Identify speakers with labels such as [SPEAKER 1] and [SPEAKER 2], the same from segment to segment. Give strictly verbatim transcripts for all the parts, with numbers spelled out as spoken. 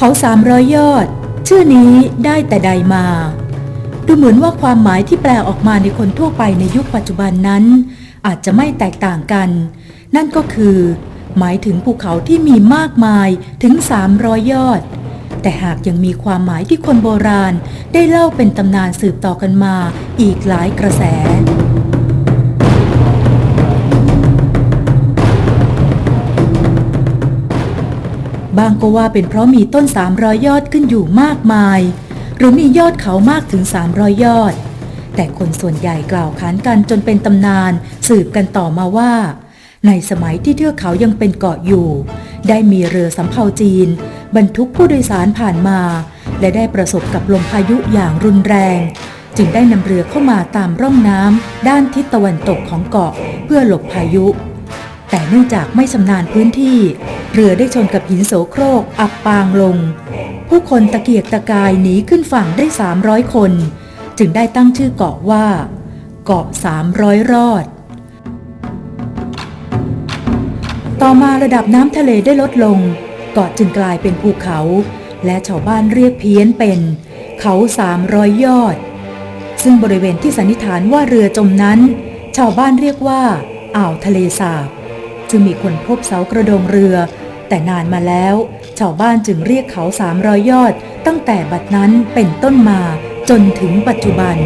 [SPEAKER 1] เขาสามร้อยยอดชื่อนี้ได้แต่ใดมาดูเหมือนว่าความหมายที่แปลออกมาในคนทั่วไปในยุคปัจจุบันนั้นอาจจะไม่แตกต่างกันนั่นก็คือหมายถึงภูเขาที่มีมากมายถึงสามร้อยยอดแต่หากยังมีความหมายที่คนโบราณได้เล่าเป็นตำนานสืบต่อกันมาอีกหลายกระแสบางก็ว่าเป็นเพราะมีต้นสามร้อยยอดขึ้นอยู่มากมายหรือมียอดเขามากถึงสามร้อยยอดแต่คนส่วนใหญ่กล่าวขานกันจนเป็นตำนานสืบกันต่อมาว่าในสมัยที่เทือกเขายังเป็นเกาะอยู่ได้มีเรือสำเภาจีนบรรทุกผู้โดยสารผ่านมาและได้ประสบกับลมพายุอย่างรุนแรงจึงได้นำเรือเข้ามาตามร่องน้ำด้านทิศตะวันตกของเกาะเพื่อหลบพายุแต่เนื่องจากไม่ชำนาญพื้นที่เรือได้ชนกับหินโสโครกอับปางลงผู้คนตะเกียกตะกายหนีขึ้นฝั่งได้สามร้อยคนจึงได้ตั้งชื่อเกาะว่าเกาะสามร้อยรอดต่อมาระดับน้ำทะเลได้ลดลงเกาะจึงกลายเป็นภูเขาและชาวบ้านเรียกเพี้ยนเป็นเขาสามร้อยยอดซึ่งบริเวณที่สันนิษฐานว่าเรือจมนั้นชาวบ้านเรียกว่าอ่าวทะเลสาบจึงมีคนพบเสากระโดงเรือแต่นานมาแล้วชาวบ้านจึงเรียกเขาสามร้อยยอดตั้งแต่บัดนั้นเป็นต้นมาจนถึงปัจจุบัน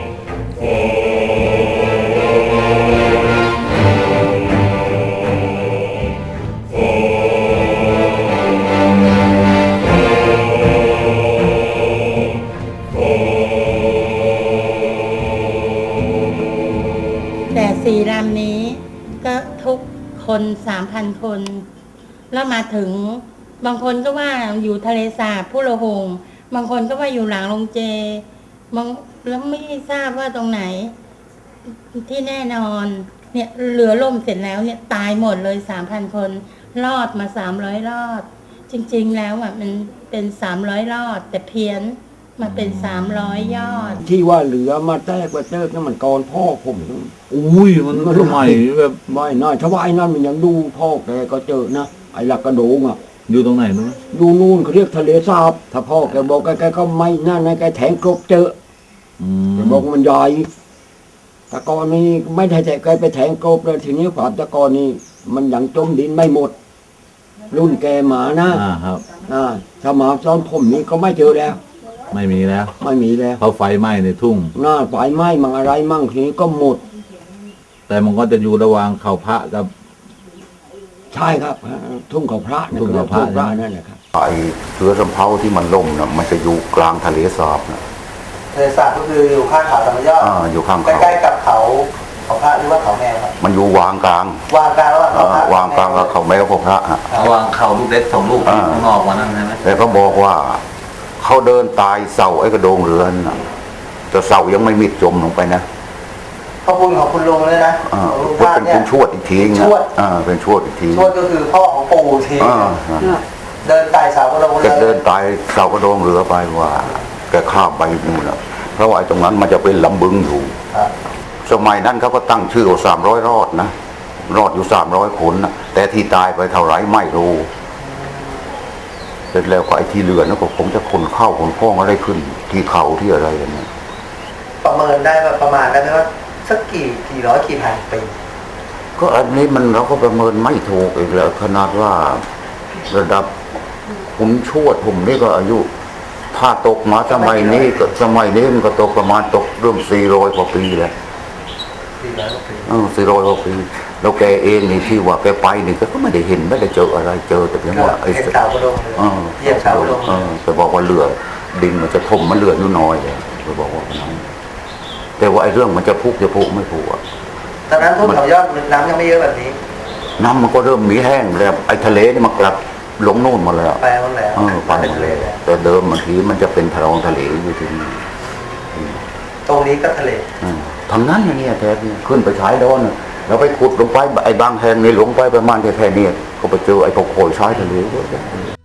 [SPEAKER 2] แต่สี่ลำนี้ก็ทุกคนสามพันคนแล้วมาถึงบางคนก็ว่าอยู่ทะเลสาบผู้ละหงบางคนก็ว่าอยู่หลังโรงเจบางแล้วไม่ทราบว่าตรงไหนที่แน่นอนเนี่ยเรือล่มเสร็จแล้วเนี่ยตายหมดเลยสามพันคนรอดมาสามร้อยรอดจริงๆแล้วอ่ะมันเป็นสามร้อยรอดแต่เพี้ยนมาเป็นสามร้อยยอด
[SPEAKER 3] ที่ว่าเหลือมาแตกมาเติกนั่นมันก่อนพ่อผม
[SPEAKER 4] อุ้ยมันสมัยแบบ
[SPEAKER 3] ไม่น่าชาวบ้านนั่นมันยังดูพ่อแกก็เจอนะไอ้หลักกระโดงอ่ะ
[SPEAKER 4] อยู่ตรงไหนนู้น
[SPEAKER 3] ดูนู่นเขาเรียกทะเลสาบถ้าพ่อแกบอกแกก็ไม่นั่นนะแกแทงกรบเจอแกบอกมันใหญ่ตะกอนนี้ไม่ได้แต่แกไปแทงกรบเลยทีนี้ฝาตะกอนนี้มันยังจมดินไม่หมดรุ่นแกหมานะ
[SPEAKER 4] อ่าครับ
[SPEAKER 3] อ่าถ้าหมาซ้อนผมนี้ก็ไม่เจอแล้ว
[SPEAKER 4] ไม่มีแล้ว
[SPEAKER 3] ไม่มีแล้ว
[SPEAKER 4] เพราะไฟไหม้ในทุ่ง
[SPEAKER 3] หน้าไฟไหม้มั่งอะไรมั่งทีนี้ก็หมด
[SPEAKER 4] แต่มันก็จะอยู่ระหว่างเขาพระกับ
[SPEAKER 3] ใช่ครับทุ่งเขาพระ
[SPEAKER 4] ทุ่งเขาพระ
[SPEAKER 3] นั่นแหละครับ
[SPEAKER 5] ไอเรือสำเภาที่มันล่มนะมันจะอยู่กลางทะเลสาบนะ
[SPEAKER 6] ทะเลสาบก็คืออยู่ข้างเขาธรรมยอด
[SPEAKER 5] อ่าอยู่ข้าง
[SPEAKER 6] เขาใกล้ๆกับเขาเขาพระหรือว่าเขาแมวครับ
[SPEAKER 5] มันอยู่วางกลาง
[SPEAKER 6] วางกลางระหว่างเขาพระ
[SPEAKER 5] วางกลางกับเขาแมวกับพระฮะ
[SPEAKER 4] วางเขาลูกเล็กสองลูกข้างนอกวันนั้นใช่ไหม
[SPEAKER 5] แต่เขาบอกว่าเขาเดินตายเสาไอ้กระโดงเรือนนะแต่เสายังไม่มิดจมลงไปนะ
[SPEAKER 6] ขอบคุณของคุณลุงเลยนะ
[SPEAKER 5] ลุงว่าเนี่ยเป็นชวดอีกทีนะอ่าเป็นชวดอีกที
[SPEAKER 6] ชวดก็คือพ่อของปู่ทีเดินตายเสากระโดงเรือ
[SPEAKER 5] เดินตายเสากระโดงเรือไปว่าแกข้ามไปนู่นนะเพราะว่าตรงนั้นมันจะเป็นลำบึงอยู่สมัยนั้นเขาก็ตั้งชื่อว่าสามร้อยรอดนะรอดอยู่สามร้อยคนนะแต่ที่ตายไปเท่าไรไม่รู้เสร็จแล้วก็ไอ้ที่เรือนั่นก็คงจะคนเข้าคนพ้องอะไรขึ้นที่เขาที่อะไรอย่างนี้
[SPEAKER 6] ประเมินได้ว่าประมาณได้ไหมว่าสักกี่กี่ร้อยกี่พันปี
[SPEAKER 5] ก็อันนี้มันเราก็ประเมินไม่ถูกอีกแล้วขนาดว่าระดับผมชวดผมนี่ก็อายุถ้าตกมาสมัยนี้ก็สมัยนี้มันก็ตกประมาณตกเรื่องสี่ร้อยกว่าปีแล้ว
[SPEAKER 6] สี่ร้อยกว่าปี
[SPEAKER 5] เออสี่ร้อยกว่าปีแล้วแกเองนี่ที่ว่าแกไปนี่ก็ไม่ได้เห็นไม่ได้เจออะไรเจอแต่เพียงว่า
[SPEAKER 6] ไอ้เสากระโดงเยี่ยมเสากระโดง
[SPEAKER 5] แต่บอกว่าเรือดินมันจะถมมันเรืออยู่น้อยเลยเขาบอกว่าน้อยแต่ว่าไอ้เรื่องมันจะพุกจะพุกไม่พุกอ่ะ
[SPEAKER 6] ตอนนั้นทุ่งเขายอดน้ำยังไม่เยอะแบบนี้
[SPEAKER 5] น้ำมันก็เริ่มมีแห้งแล้วไอ้ทะเลนี่มันกลับหลงโน่นมาแล้ว
[SPEAKER 6] ไปหมดแล้ว
[SPEAKER 5] เออไปหมดเลยแต่เดิมบางทีมันจะเป็นทะลองทะเลอยู่ที่นี่
[SPEAKER 6] ตรงนี้ก็ทะเล
[SPEAKER 5] ทางนั้นอย่างนี้แท้เนี่ยขึ้นไปชายโดนเราไปขุดลงไปไอ้บางแห่งนี่ลงไปประมาณแค่นี้ก็ไปเจอไอ้พวกโขยชายทะเลด้วย